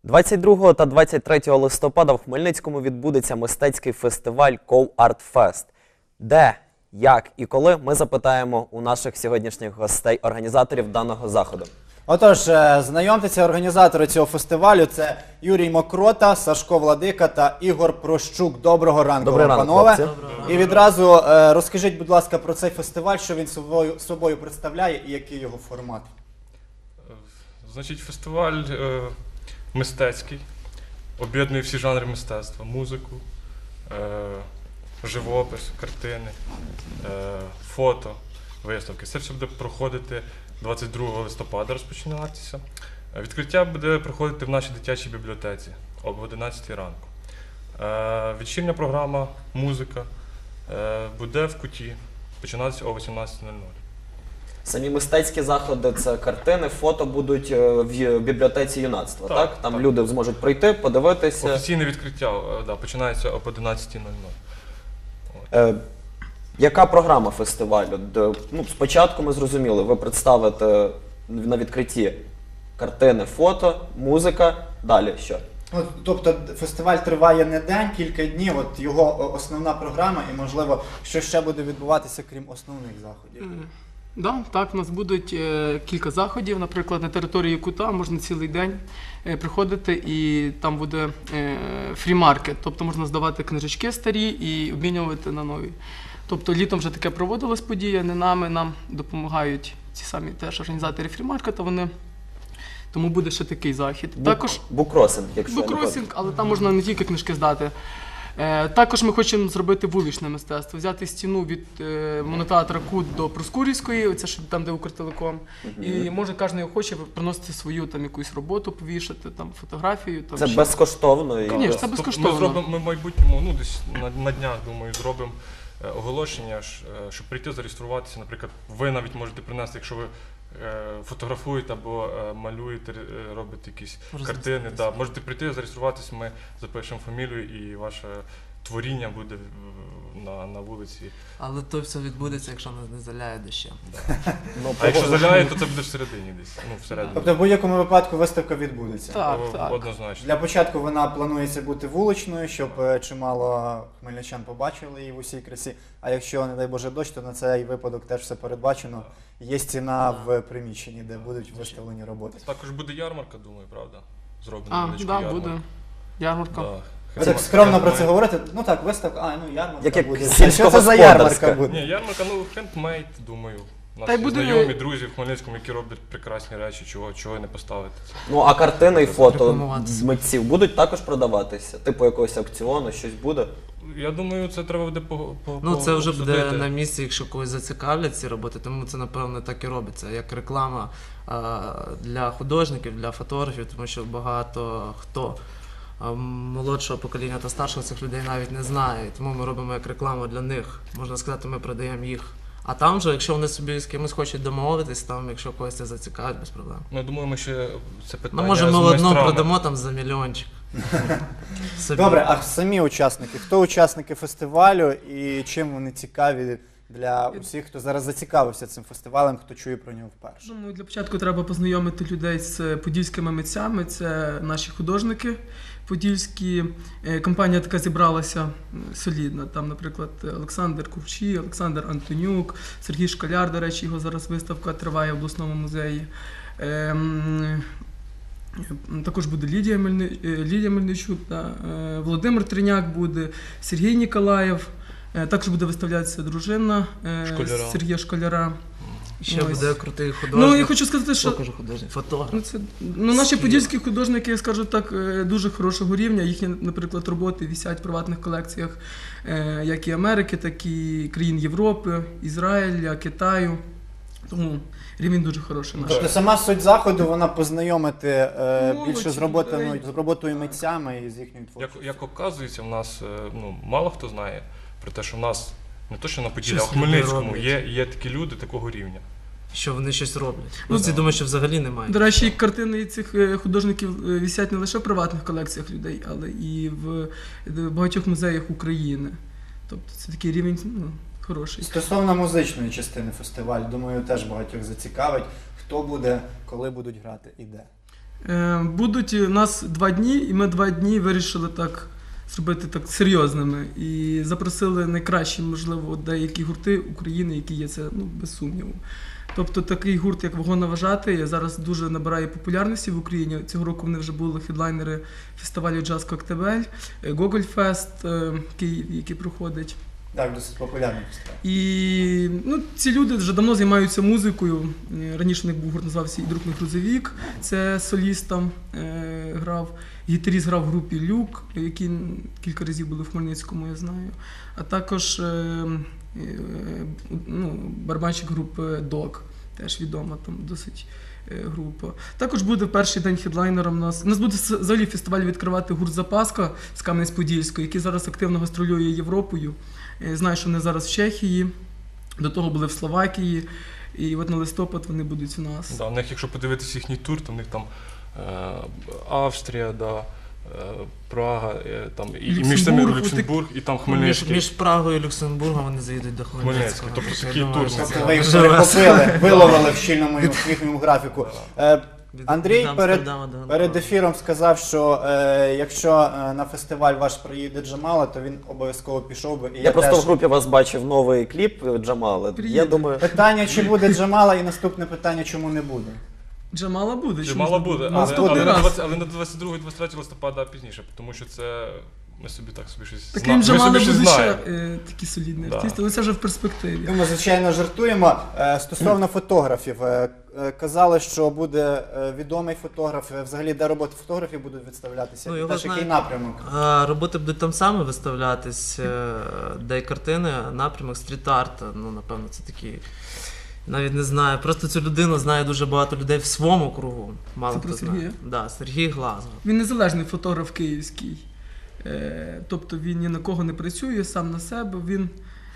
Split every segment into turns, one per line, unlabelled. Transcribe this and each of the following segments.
22 та 23 листопада в Хмельницькому відбудеться мистецький фестиваль Ков Арт Фест. Де, як і коли, ми запитаємо у наших сьогоднішніх гостей, організаторів даного заходу.
Отож, знайомтеся, організатори цього фестивалю – це Юрій Мокрота, Сашко Владика та Ігор Прощук. Доброго ранку,
Добрий ранок,
панове.
хлопці.
І відразу розкажіть, будь ласка, про цей фестиваль, що він собою представляє і який його формат.
Значить, фестиваль мистецький, об'єднує всі жанри мистецтва, музику, живопис, картини, фото, виставки. Це все буде проходити 22 листопада, розпочинатися. Відкриття буде проходити в нашій дитячій бібліотеці об 11 ранку. Вечірня програма, музика буде в Куті, починатися о 18:00.
Самі мистецькі заходи – це картини, фото будуть в бібліотеці юнацтва, так? Там люди зможуть прийти, подивитися.
Офіційне відкриття починається об 11:00.
Яка програма фестивалю? Спочатку ми зрозуміли, ви представите на відкритті картини, фото, музика, далі що?
Тобто фестиваль триває не день, кілька днів, от його основна програма і, можливо, що ще буде відбуватися, крім основних заходів.
Так, у нас будуть кілька заходів, наприклад, на території Кута можна цілий день приходити і там буде фрі-маркет, тобто можна здавати книжечки старі і обмінювати на нові. Тобто літом вже таке проводилась подія, не нами, нам допомагають ці самі теж організатори фрі-маркета, тому буде ще такий захід. Також
Букросинг, якщо
букросинг, але там можна не тільки книжки здати. Також ми хочемо зробити вуличне мистецтво, взяти стіну від монотеатра Кут до Проскурівської, це там, де Укртелеком, і може кожен охоче приносити свою там якусь роботу, повішати, там фотографію. Там,
це безкоштовно?
Звісно, це безкоштовно.
Ми зробимо, в майбутньому, десь на днях, думаю, зробимо оголошення, щоб прийти зареєструватися. Наприклад, ви навіть можете принести, якщо ви фотографуєте або малюєте, робите якісь картини. Можете прийти, зареєструватися, ми запишемо фамілію і ваше творіння буде на вулиці.
Але то все відбудеться, якщо нас не заляє дощем.
А якщо заляє, то це буде всередині десь. Всередині.
Тобто в будь-якому випадку виставка відбудеться?
Так.
Однозначно.
Для початку вона планується бути вуличною, щоб чимало хмельничан побачили її в усій красі. А якщо, не дай Боже, дощ, то на цей випадок теж все передбачено. Є стіна в приміщенні, де будуть виставлені роботи.
Також буде ярмарка, думаю, правда? Зроблена невеличка
Так,
ярмарка.
буде ярмарка.
Ви так скромно про це говорите? Ну так, виставка, ярмарка
Як
буде.
сільськогосподарська.
Що це за ярмарка буде?
Ні, ярмарка, хендмейд, думаю. У нас
Та й
є
буде-
знайомі, друзі в Хмельницькому, які роблять прекрасні речі, чого не поставити.
А картини і фото
Рекламуватися.
митців будуть також продаватися? Типу якогось аукціону, щось буде?
Я думаю, це треба буде
Ну, це вже буде
обсудити.
на місці, якщо когось зацікавлять ці роботи, тому це, напевно, так і робиться, як реклама для художників, для фотографів, тому що багато хто молодшого покоління та старшого цих людей навіть не знає, тому ми робимо як рекламу для них, можна сказати, ми продаємо їх. А там же, якщо вони собі з кимось хочуть домовитись, там, якщо когось це зацікавить, без проблем.
Ну, я думаю, ми ще це питання
Ну, може, ми
з
одну
майстрами.
продамо там за мільйончик. Собі.
Добре, а самі учасники? Хто учасники фестивалю і чим вони цікаві для усіх, хто зараз зацікавився цим фестивалем, хто чує про нього вперше?
Ну, для початку треба познайомити людей з подільськими митцями, це наші художники подільські. Компанія така зібралася солідна, там, наприклад, Олександр Курчий, Олександр Антонюк, Сергій Школяр, до речі, його зараз виставка триває в обласному музеї. Також буде Лідія Мельничук, Володимир Триняк буде, Сергій Ніколаєв. Також буде виставлятися дружина Сергія Школяра.
Ще буде крутий художник.
Ну, я хочу сказати, що
художник, фотограф.
наші подільські художники, я скажу так, дуже хорошого рівня. Їхні, наприклад, роботи висять в приватних колекціях як і Америки, так і країн Європи, Ізраїля, Китаю. Тому рівень дуже хороший наш.
Тобто сама суть заходу, вона познайомити більше з
людей.
роботою митцями і з їхньою творчістю.
Як оказується, в нас мало хто знає про те, що в нас не то, що на Поділлі, а в
Щось люди
Хмельницькому
роблять.
є такі люди такого рівня.
Що вони щось роблять. Ну, ці думають, що взагалі немає.
До речі, картини цих художників висять не лише в приватних колекціях людей, але і в багатьох музеях України. Тобто це такий рівень хороший.
Стосовно музичної частини фестивалю, думаю, теж багатьох зацікавить, хто буде, коли будуть грати і де.
Будуть у нас 2 дні, і ми 2 дні вирішили так зробити так серйозними. І запросили найкращі, можливо, деякі гурти України, які є, це без сумніву. Тобто такий гурт, як Вагоновожатий, зараз дуже набирає популярності в Україні. Цього року вони вже були хедлайнери фестивалю «Джаз Коктебель», Гогольфест, який проходить.
Так, досить популярний фестиваль.
І ці люди вже давно займаються музикою. Раніше у них був гурт, називався «І друг мій грузовік», це соліст там грав. Гітаріст грав в групі «Люк», які кілька разів були в Хмельницькому, я знаю. А також барабанщик групи «Док», теж відома там досить група. Також буде перший день хедлайнером у нас буде взагалі фестиваль відкривати гурт «Запаска» з Кам'янець-Подільського, який зараз активно гастролює Європою. Знаю, що вони зараз в Чехії, до того були в Словакії, і от на листопад вони будуть у нас.
Да, у них, якщо подивитися їхній тур, то в них там Австрія, Прага, там, і між самі Люксембург, і там Хмельницький.
Між Прагою і Люксембургом вони заїдуть до Хмельницького.
Тобто такий
Я думаю,
тур.
що
Тобто ви їх перехопили, виловили в щільному їхньому графіку. Андрій
Від Амстердама до
перед
Гонконгу.
ефіром сказав, що якщо на фестиваль ваш приїде Джамала, то він обов'язково пішов би. І
Я просто
теж.
в групі вас бачив новий кліп Джамали. Я
Приїде.
думаю,
Питання, чи буде Джамала, і наступне питання, чому не буде?
Джамала буде. чому
Мало
ж не
буде,
Наступний
але
раз.
на 22-23 листопада пізніше, тому що це ми собі щось
Так
знаємо.
крім Джамали
Ми собі
будуть
щось
ще
знаємо.
такі солідні
Да.
артисти, але це вже в перспективі.
Ми, звичайно, жартуємо. Стосовно фотографів, казали, що буде відомий фотограф. Взагалі, де роботи фотографів будуть відставлятися?
Ну,
І
його
теж який
знають.
напрямок?
Роботи будуть там саме виставлятись, де й картини, напрямок стріт-арт, напевно, це такі. Навіть не знаю, просто цю людину знає дуже багато людей в своєму кругу. Мало
Це
хто
про
знає.
Сергія?
Да, Сергій Глазго.
Він незалежний фотограф київський. Тобто він ні на кого не працює, сам на себе. Він,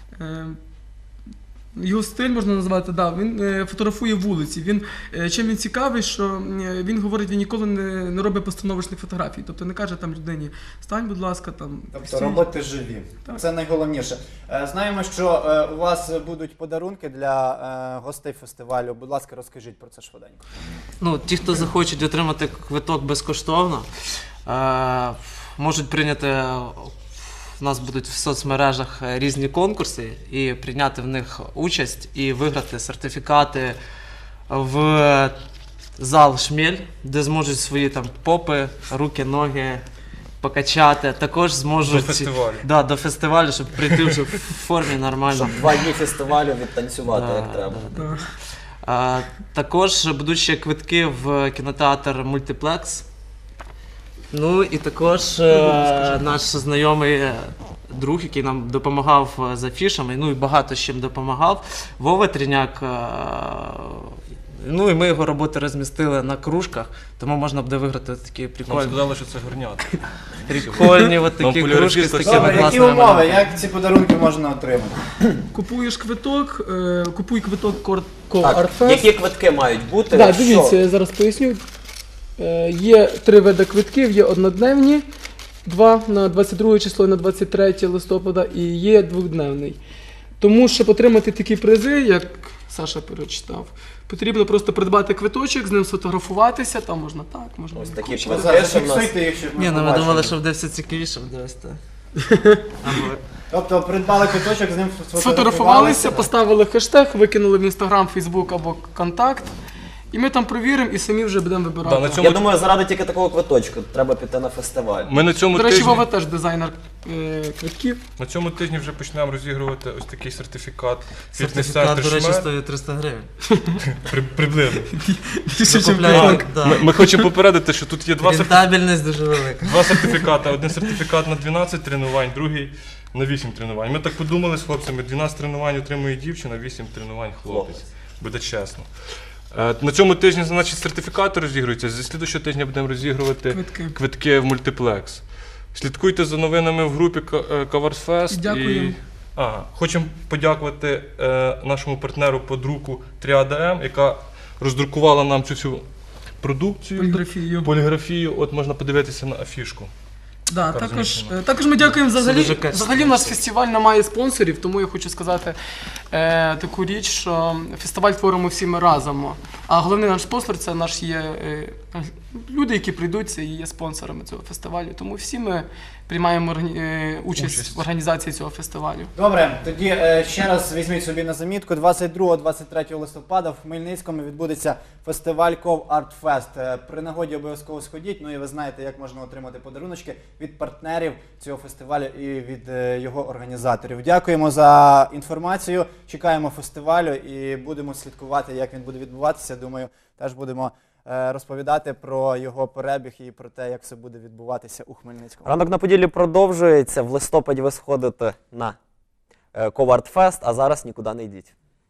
його стиль можна назвати, він фотографує вулиці. Чим він цікавий, що він говорить, він ніколи не робить постановочних фотографій. Тобто не каже там людині, стань, будь ласка, там.
Тобто
стій.
роботи живі.
Так.
Це найголовніше. Знаємо, що у вас будуть подарунки для гостей фестивалю. Будь ласка, розкажіть про це швиденько.
Ті, хто захочуть отримати квиток безкоштовно, можуть прийняти. У нас будуть в соцмережах різні конкурси і прийняти в них участь і виграти сертифікати в зал «Шмель», де зможуть свої там попи, руки, ноги покачати. Також зможуть
До фестивалю.
Да, до фестивалю, щоб прийти вже в формі нормально.
щоб 2 дні фестивалю відтанцювати,
Да,
як треба.
Так.
Також будуть ще квитки в кінотеатр «Мультиплекс». Ну і також наш знайомий друг, який нам допомагав з афішами, і багато з чим допомагав, Вова Тріняк. І ми його роботи розмістили на кружках, тому можна буде виграти такі
Нам
прикольні,
сказали, що це горнята.
прикольні от такі
Нам
кружки з
поляризисти
такими
Добре, які
класними
умови?
малюнками.
Як ці подарунки можна отримати?
Купуєш квиток, купуй квиток
Так,
Co-Art
які квитки мають бути?
Так,
Що?
дивіться, я зараз поясню. Є 3 види квитків, є однодневні, 2 на 22 число і на 23 листопада, і є 2-дневний. Тому, щоб отримати такі призи, як Саша перечитав, потрібно просто придбати квиточок, з ним сфотографуватися, там можна так, можна
Ось такі
інакше.
квитки.
Зафіксуйте їх, щоб
Ні,
ми
ми
побачили.
думали, що буде все цікавіше, буде ось так.
Тобто придбали квиточок, з ним
Сфотографувалися, поставили хештег, викинули в Інстаграм, Фейсбук або Контакт, і ми там провіримо і самі вже будемо вибирати.
Да, на цьому-
Я думаю, заради тільки такого квиточку треба піти на фестиваль.
Ми на цьому
До речі,
тижні...
Вова теж дизайнер квитків.
На цьому тижні вже почнемо розігрувати ось такий сертифікат.
Сертифікат, до речі,
«Шмель».
стоїть 300 гривень.
Приблизно.
Більше, ніж
Закупляємо, да.
Ми хочемо попередити, що тут є
Рентабельність дуже велика.
2 сертифікати. Один сертифікат на 12 тренувань, другий на 8 тренувань. Ми так подумали з хлопцями, 12 тренувань отримує дівчина, 8 тренувань хлопець.
Хлопець.
Буде чесно. На цьому тижні, значить, сертифікати розігруються. Зі слідущого тижня будемо розігрувати квитки в мультиплекс. Слідкуйте за новинами в групі Coversfest.
Дякуємо.
Хочемо подякувати нашому партнеру по друку Тріада М, яка роздрукувала нам цю всю продукцію.
Поліграфію.
Поліграфію. От можна подивитися на афішку.
Да,
Така
також,
розміщена.
також ми дякуємо взагалі.
дуже качественно.
Взагалі у нас фестиваль не має спонсорів, тому я хочу сказати таку річ, що фестиваль творимо всі ми разом. А головний наш спонсор це наш є люди, які прийдуть, це і є спонсорами цього фестивалю. Тому всі ми приймаємо участь в організації цього фестивалю.
Добре, тоді ще раз візьміть собі на замітку. 22-23 листопада в Хмельницькому відбудеться фестиваль Ков Арт Фест. При нагоді обов'язково сходіть. Ну і ви знаєте, як можна отримати подаруночки від партнерів цього фестивалю і від його організаторів. Дякуємо за інформацію. Чекаємо фестивалю і будемо слідкувати, як він буде відбуватися. Думаю, теж будемо розповідати про його перебіг і про те, як все буде відбуватися у Хмельницькому.
Ранок на Поділлі продовжується. В листопаді ви сходите на Ков Арт Фест, а зараз нікуди не йдіть.